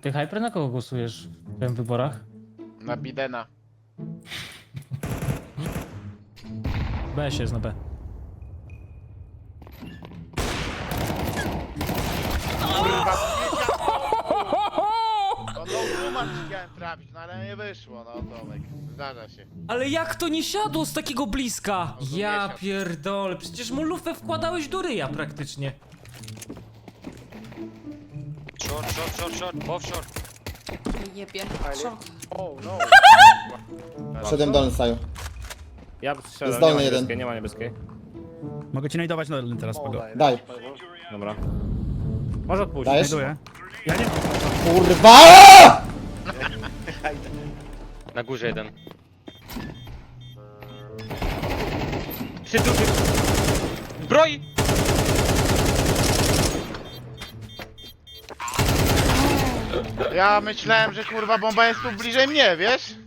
Ty, Hyper, na kogo głosujesz w tym wyborach? Na Bidena. B się jest na B. No Luman chciałem trafić, no ale nie wyszło, no Tomek. Zdarza się. Ale jak to nie siadło z takiego bliska? No to nie Ja siadł. pierdolę, przecież mu lufę wkładałeś do ryja praktycznie. Short, both short. Jebie. Co? Oh no. Przedem dolny staju. Ja Jest strzelam, nie dolny ma jeden. niebieskiej, nie ma niebieskiej. Mogę ci najdować na teraz, Pago. Daj. Dobra. Może odpuścić. Dajesz? Znajduję. Ja nie mam. Kurwa! Na górze jeden. Przy duży. Broi! Ja myślałem, że kurwa bomba jest tu bliżej mnie, wiesz?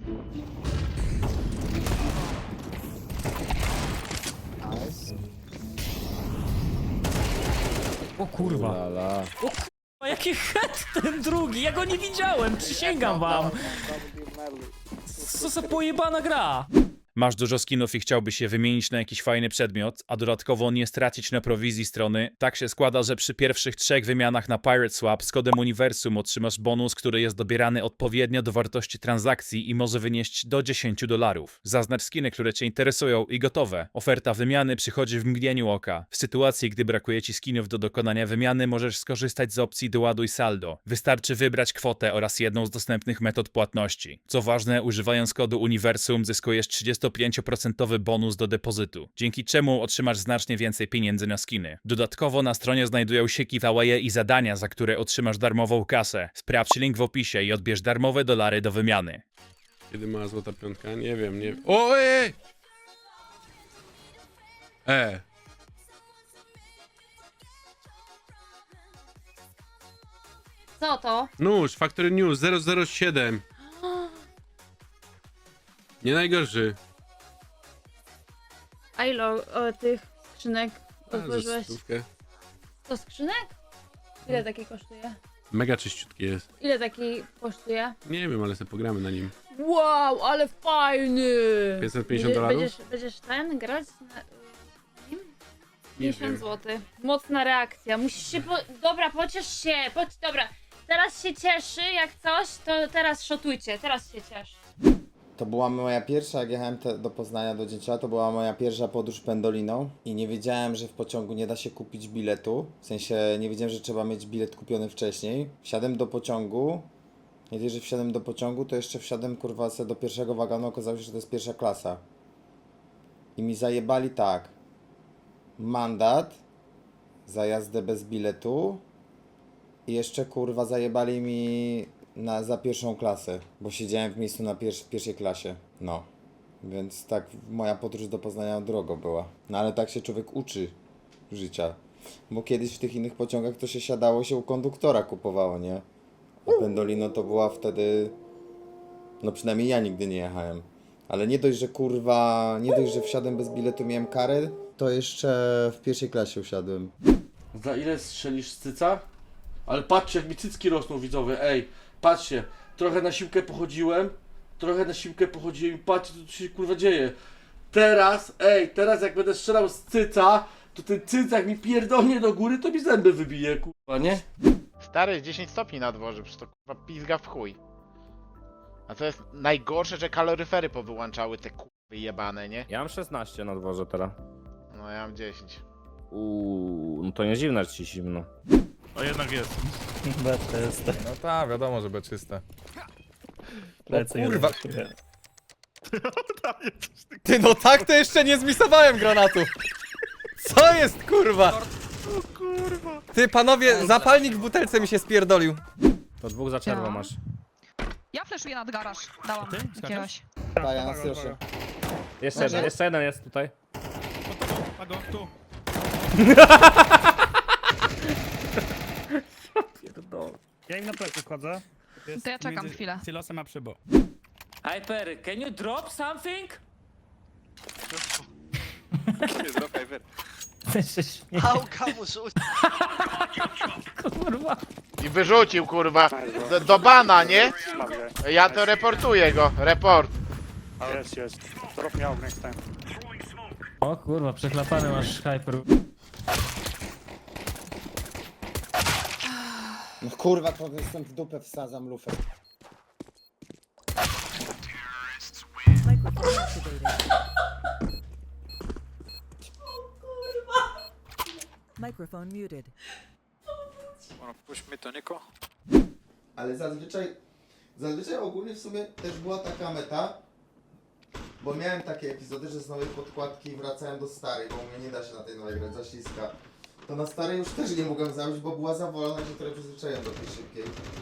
O kurwa. O kurwa, jaki head ten drugi, ja go nie widziałem, przysięgam wam. Co za pojebana gra. Masz dużo skinów i chciałbyś je wymienić na jakiś fajny przedmiot, a dodatkowo nie stracić na prowizji strony? Tak się składa, że przy pierwszych 3 wymianach na Pirate Swap z kodem Uniwersum otrzymasz bonus, który jest dobierany odpowiednio do wartości transakcji i może wynieść do $10. Zaznacz skiny, które Cię interesują i gotowe. Oferta wymiany przychodzi w mgnieniu oka. W sytuacji, gdy brakuje Ci skinów do dokonania wymiany, możesz skorzystać z opcji doładuj saldo. Wystarczy wybrać kwotę oraz jedną z dostępnych metod płatności. Co ważne, używając kodu Uniwersum zyskujesz 35% bonus do depozytu, dzięki czemu otrzymasz znacznie więcej pieniędzy na skiny. Dodatkowo na stronie znajdują się giveawaye i zadania, za które otrzymasz darmową kasę. Sprawdź link w opisie i odbierz darmowe dolary do wymiany. Kiedy ma złota piątka? Nie wiem, nie wiem. O, ej! Co to? Nóż, Factory News 007. Nie najgorszy. A ile tych skrzynek A, za otworzyłeś? stówkę. To skrzynek? Ile taki kosztuje? Mega czyściutki jest. Ile taki kosztuje? Nie wiem, ale sobie pogramy na nim. Wow, ale fajny! $550? Będziesz ten grać na nim? Nie 50 wiem. zł. Mocna reakcja. Musisz się Dobra, pociesz się. Dobra, teraz się cieszy jak coś, to teraz szotujcie. Teraz się cieszy. To była moja pierwsza, jak jechałem do Poznania do Dzięcioła, to była moja pierwsza podróż pendoliną i nie wiedziałem, że w pociągu nie da się kupić biletu. W sensie nie wiedziałem, że trzeba mieć bilet kupiony wcześniej. Wsiadłem do pociągu. Nie dość, że wsiadłem do pociągu, to jeszcze wsiadłem kurwa se do pierwszego wagonu, okazało się, że to jest pierwsza klasa. I mi zajebali tak. Mandat za jazdę bez biletu i jeszcze kurwa zajebali mi za pierwszą klasę, bo siedziałem w miejscu na pierwszej klasie. No. Więc tak moja podróż do Poznania drogo była. No ale tak się człowiek uczy życia. Bo kiedyś w tych innych pociągach to się siadało, się u konduktora kupowało, nie? A Pendolino to była wtedy... No przynajmniej ja nigdy nie jechałem. Ale nie dość, że kurwa... Nie dość, że wsiadłem bez biletu, miałem karę, to jeszcze w pierwszej klasie usiadłem. Za ile strzelisz z cyca? Ale patrzcie, jak mi cycki rosną, widzowie, ej, patrzcie, trochę na siłkę pochodziłem i patrzcie, co tu się kurwa dzieje. Teraz jak będę strzelał z cyca, to ten cyc jak mi pierdolnie do góry, to mi zęby wybije, kurwa, nie? Stary, jest 10 stopni na dworze, przecież to kurwa pizga w chuj. A co jest najgorsze, że kaloryfery powyłączały te kurwy jebane, nie? Ja mam 16 na dworze teraz. No ja mam 10. No to nie dziwne, że ci zimno. O, jednak jest. No tak, wiadomo, że czyste. Kurwa. Ty, no tak to jeszcze nie zmisowałem granatu. Co jest, kurwa? Ty, panowie, zapalnik w butelce mi się spierdolił. To 2 za czerwo Ja. masz. Ja fleszuję nad garaż. Dałam jakiegoś. Tak, ja nas proszę. Jeszcze jeden jest tutaj. Pago, tu. Ja im na plecy wchodzę. To ja czekam chwilę. Silosem a przybo. Hyper, can you drop something? Pałka mu rzuć. Kurwa. I wyrzucił, kurwa, do bana, nie? Ja to reportuję go, report. O kurwa, przechlapany masz hyper. No kurwa, to jestem w dupę wsadzam lufę. Microphone muted. Ale zazwyczaj ogólnie w sumie też była taka meta, bo miałem takie epizody, że z nowej podkładki wracałem do starej, bo mnie nie da się na tej nowej grać, za śliska. To na starej już też nie mogłem zabić, bo była za wolna, się trochę przyzwyczaiłem do tej szybkiej.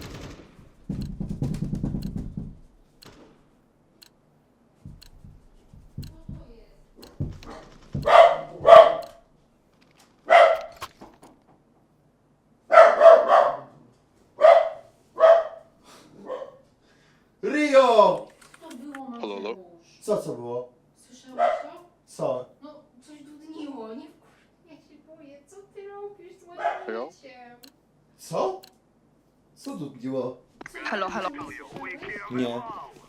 Rio! To było na Halo, halo? Co było? Słyszałeś to? Co? No, coś dudniło, nie ja się boję. Co ty robisz z moim Halo? życiem? Co? Co dudniło? Halo, halo. Nie.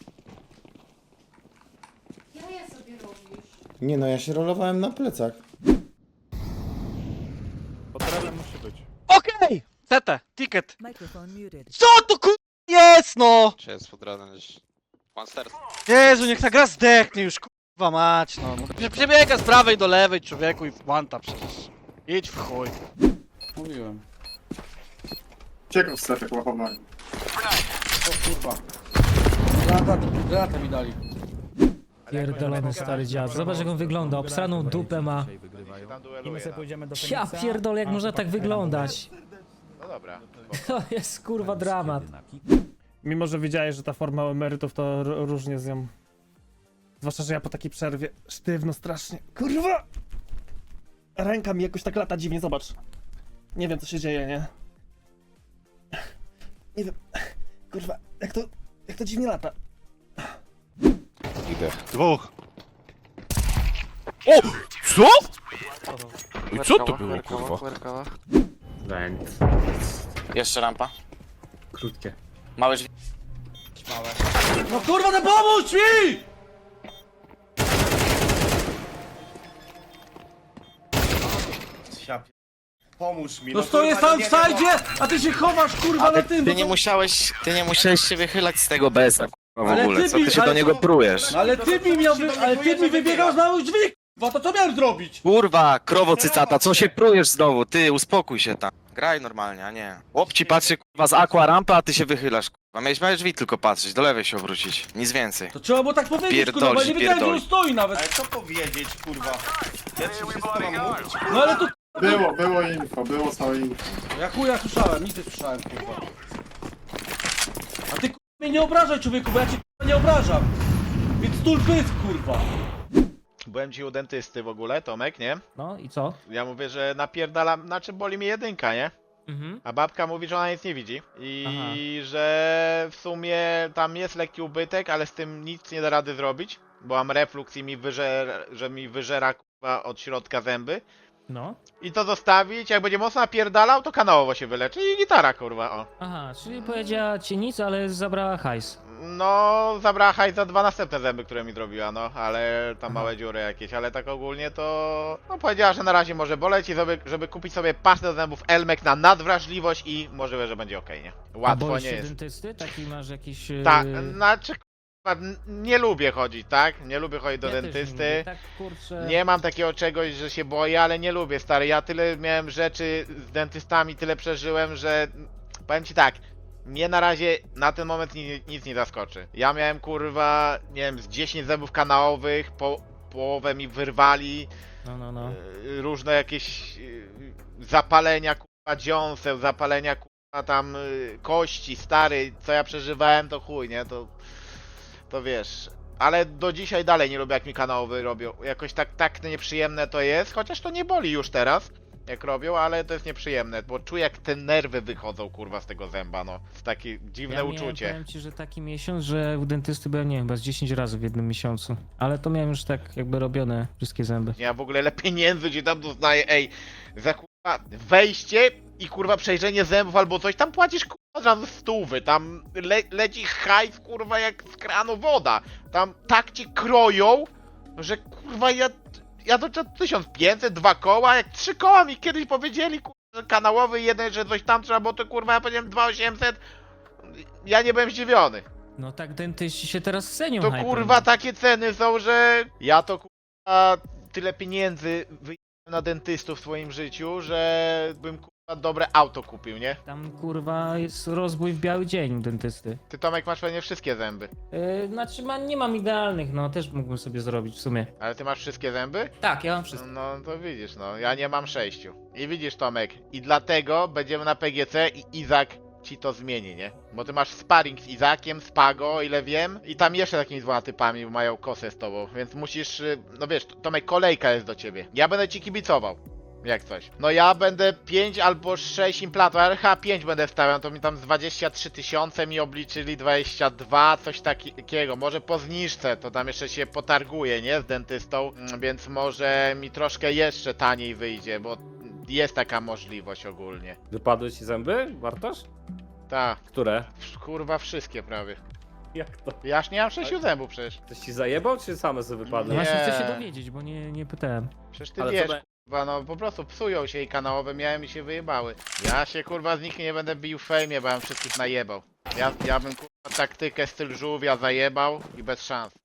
Jaja sobie robisz. Nie no, ja się rolowałem na plecach. Potrzebny musi być. Okej! Tete, ticket. Microphone muted. Co to kur... jest no! Czy jest pod ranem gdzieś? Monster. Jezu, niech ta gra zdechnie już, kurwa mać, no. Przebiega z prawej do lewej, człowieku, i włanta przecież. Idź w chuj. Mówiłem. Ciekaw strefek łapowali. O kurwa. Granatę mi dali. Pierdolony stary dziad. Zobacz jak on wygląda, obsraną dupę ma. Tam I dueluje, my sobie no. pójdziemy do Ja Feniksa. pierdolę, jak można tak wyglądać. No dobra. To jest kurwa dramat. Mimo, że wiedziałeś, że ta forma emerytów to różnie z nią. Zwłaszcza, że ja po takiej przerwie sztywno strasznie. Kurwa! Ręka mi jakoś tak lata dziwnie, zobacz. Nie wiem co się dzieje, nie? Nie wiem. Kurwa, jak to dziwnie lata. Idę. Dwóch. O! Co? I co to było, kurwa? Jeszcze rampa. Krótkie. Małe drzwi. No kurwa, no pomóż mi! Pomóż mi. No stoję sam w sajdzie, a ty się chowasz kurwa na tym. Ty nie musiałeś się wychylać z tego BS-a, kurwa, w Ale ogóle. ty Co mi- ty się ale do niego to- prujesz? Ale ty mi wybiegasz na mój drzwi, kurwa, to co miałem zrobić? Kurwa, krowo cycata, co się prujesz znowu? Ty, uspokój się tam. Graj normalnie, a nie. Chłop ci patrzy, kurwa, z aqua rampy, a ty się wychylasz, kurwa. Miałeś małe drzwi tylko patrzeć, do lewej się obrócić. Nic więcej. To trzeba było tak powiedzieć, kurwa, bo ja nie wiedziałem, że on stoi nawet. co powiedzieć, kurwa? Ja ci wszystko mam mówić. No ale to Było info, było całe info. ja chuja słyszałem, nic nie słyszałem, kurwa. A ty kurwa mnie nie obrażaj, człowieku, bo ja cię kurwa nie obrażam. Więc tul pysk, kurwa. Byłem ci u dentysty w ogóle, Tomek, nie? No i co? Ja mówię, że napierdalam, znaczy boli mnie jedynka, nie? Mhm. A babka mówi, że ona nic nie widzi. I że w sumie tam jest lekki ubytek, ale z tym nic nie da rady zrobić. Bo mam refluks i mi wyżera kurwa od środka zęby. No. I to zostawić, jak będzie mocno napierdalał, to kanałowo się wyleczy i gitara kurwa, o. Aha, czyli powiedziała ci nic, ale zabrała hajs. No, zabrała hajs za 2 następne zęby, które mi zrobiła, no, ale tam małe dziury jakieś, ale tak ogólnie to... No, powiedziała, że na razie może boleć i żeby kupić sobie pastę do zębów Elmek na nadwrażliwość i możliwe, że będzie okej, nie? A Łatwo boisz nie się jest. dentysty? Taki masz jakiś... Tak, znaczy, kurwa, nie lubię chodzić, tak? Nie lubię chodzić do ja też nie dentysty. lubię, tak kurczę... Nie mam takiego czegoś, że się boję, ale nie lubię, stary. Ja tyle miałem rzeczy z dentystami, tyle przeżyłem, że powiem ci tak, mnie na razie na ten moment nic nie zaskoczy. Ja miałem kurwa, nie wiem, z 10 zębów kanałowych, połowę mi wyrwali, No. różne jakieś zapalenia kurwa dziąseł, zapalenia kurwa tam kości, stary, co ja przeżywałem to chuj, nie? To wiesz. Ale do dzisiaj dalej nie lubię jak mi kanałowy robią. Jakoś tak nieprzyjemne to jest, chociaż to nie boli już teraz, jak robią, ale to jest nieprzyjemne, bo czuję jak te nerwy wychodzą kurwa z tego zęba, no. To takie dziwne Ja uczucie. Powiem ci, że taki miesiąc, że u dentysty byłem, nie wiem, chyba z 10 razy w jednym miesiącu. Ale to miałem już tak jakby robione wszystkie zęby. Ja w ogóle ile pieniędzy ci tam doznaję, ej, za kurwa kurwa, wejście i kurwa przejrzenie zębów albo coś, tam płacisz kurwa od razu 100, tam leci hajs kurwa jak z kranu woda. Tam tak cię kroją, że kurwa ja to 1500, 2 koła, jak 3 koła mi kiedyś powiedzieli kurwa, że kanałowy jeden, że coś tam trzeba, bo to kurwa ja powiedziałem 2800, ja nie byłem zdziwiony. No tak dentyści się teraz cenią. To kurwa takie ceny są, że ja to kurwa tyle pieniędzy wyjechałem na dentystów w swoim życiu, że bym kurwa dobre auto kupił, nie? Tam kurwa jest rozbój w biały dzień u dentysty. Ty Tomek masz pewnie wszystkie zęby. Znaczy nie mam idealnych, no też mógłbym sobie zrobić w sumie. Ale ty masz wszystkie zęby? Tak, ja mam wszystko. No to widzisz, no ja nie mam 6. I widzisz Tomek, i dlatego będziemy na PGC i Izak ci to zmieni, nie? Bo ty masz sparring z Izakiem, z Pago, o ile wiem, i tam jeszcze takimi 2 typami mają kosę z tobą, więc musisz, no wiesz, Tomek, kolejka jest do ciebie. Ja będę ci kibicował. Jak coś. No ja będę 5 albo 6 implantów, ale chyba 5 będę wstawiał, to mi tam z 23 000 mi obliczyli 22, coś takiego. Może po zniżce, to tam jeszcze się potarguje, nie? Z dentystą, więc może mi troszkę jeszcze taniej wyjdzie, bo jest taka możliwość ogólnie. Wypadły ci zęby, Bartosz? Tak, Które? kurwa wszystkie prawie. Jak to? Ja już nie mam 6 zębów przecież. Ktoś ci zajebał, czy same sobie No wypadły? Nie. właśnie chcę się dowiedzieć, bo nie pytałem. Przecież ty Ale wiesz, co be- kurwa, no po prostu psują się i kanałowe miałem i się wyjebały. Ja się kurwa z nich nie będę bił w fejmie, bo ja bym wszystkich najebał. Ja bym kurwa taktykę styl żółwia zajebał i bez szans.